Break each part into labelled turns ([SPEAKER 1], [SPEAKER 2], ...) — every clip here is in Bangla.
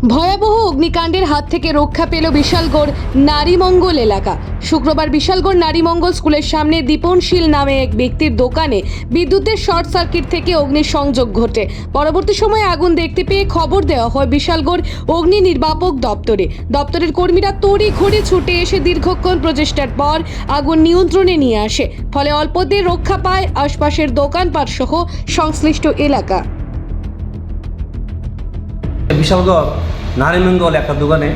[SPEAKER 1] ভয়াবহ অগ্নিকাণ্ডের হাত থেকে রক্ষা পেল বিশালগড় নারীমঙ্গল এলাকা। শুক্রবার বিশালগড় নারীমঙ্গল স্কুলের সামনে দীপনশীল নামে এক ব্যক্তির দোকানে বিদ্যুতের শর্ট সার্কিট থেকে অগ্নিসংযোগ ঘটে। পরবর্তী সময়ে আগুন দেখতে পেয়ে খবর দেওয়া হয় বিশালগড় অগ্নি নির্বাপক দপ্তরে। দপ্তরের কর্মীরা তড়িঘড়ি ছুটে এসে দীর্ঘক্ষণ প্রচেষ্টার পর আগুন নিয়ন্ত্রণে নিয়ে আসে। ফলে অল্পতে রক্ষা পায় আশপাশের দোকানপাট সহ সংশ্লিষ্ট এলাকা।
[SPEAKER 2] বিশালগড় নারীমঙ্গল একটা দোকানে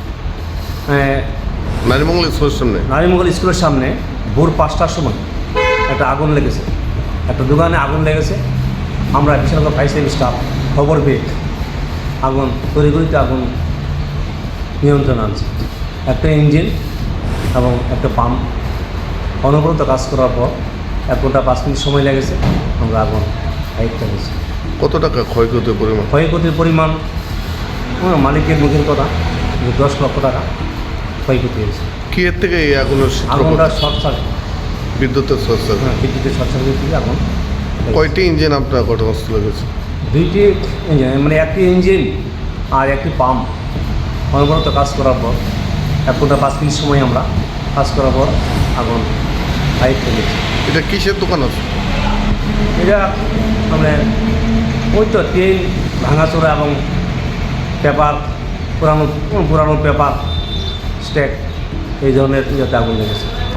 [SPEAKER 2] নারীমঙ্গল স্কুলের সামনে ভোর 5টার সময় একটা আগুন লেগেছে, একটা দোকানে আগুন লেগেছে। আমরা বিশালগড় ফায়ার সার্ভিস স্টাফ খবর পেয়ে আগুন তড়িঘড়িতে আগুন নিয়ন্ত্রণ আনছে। একটা ইঞ্জিন এবং একটা পাম্প অনবরত কাজ করার পর 1 ঘন্টা 5 মিনিট সময় লেগেছে, আমরা আগুন আয়ত্তে পেয়েছি।
[SPEAKER 3] কত টাকা ক্ষয়ক্ষতির পরিমাণ?
[SPEAKER 2] ক্ষয়ক্ষতির পরিমাণ মালিকের মুখের কথা 10 লক্ষ টাকা ক্ষয়ক্ষতি হয়েছে।
[SPEAKER 3] কি এর থেকে এই আগুনের
[SPEAKER 2] আগুনটা শর্ট সার্কিট,
[SPEAKER 3] বিদ্যুতের শর্ট সার্কিট?
[SPEAKER 2] হ্যাঁ, বিদ্যুতের শর্ট সার্কিট থেকে আগুন।
[SPEAKER 3] কয়টি ইঞ্জিন আপনার ঘটনাস্থলে গেছে?
[SPEAKER 2] 2টি ইঞ্জিন, মানে একটি ইঞ্জিন আর একটি পাম্প অনবরত কাজ করার পর 1 ঘন্টা 5 মিনিট সময় আমরা কাজ করার পর আগুন আয়ত্তে গেছে।
[SPEAKER 3] এটা কিসের দোকান আছে?
[SPEAKER 2] এটা মানে ওই তো তেল ভাঙাচোরা এবং পেপার, পুরানো পেপার স্ট্যাক, এই ধরনের ইয়েতে আগুন লেগেছে।